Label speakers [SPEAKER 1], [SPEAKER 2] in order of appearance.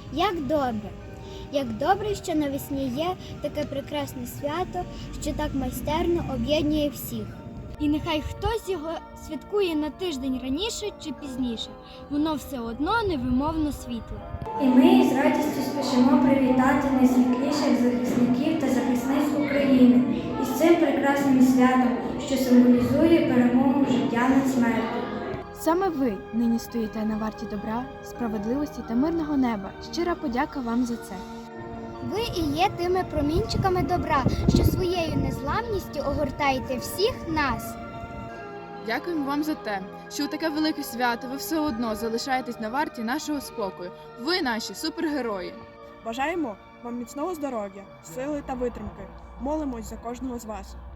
[SPEAKER 1] Як добре, що навесні є таке прекрасне свято, що так майстерно об'єднує всіх.
[SPEAKER 2] І нехай хтось його святкує на тиждень раніше чи пізніше, воно все одно невимовно світле.
[SPEAKER 3] І ми з радістю спішимо привітати найсвітліших захисників та захисниць України із цим прекрасним святом, що символізує перемогу життя над смертю.
[SPEAKER 4] Саме ви нині стоїте на варті добра, справедливості та мирного неба. Щира подяка вам за це.
[SPEAKER 1] Ви і є тими промінчиками добра, що своєю незламністю огортаєте всіх нас.
[SPEAKER 5] Дякуємо вам за те, що у таке велике свято ви все одно залишаєтесь на варті нашого спокою. Ви наші супергерої.
[SPEAKER 6] Бажаємо вам міцного здоров'я, сили та витримки. Молимось за кожного з вас.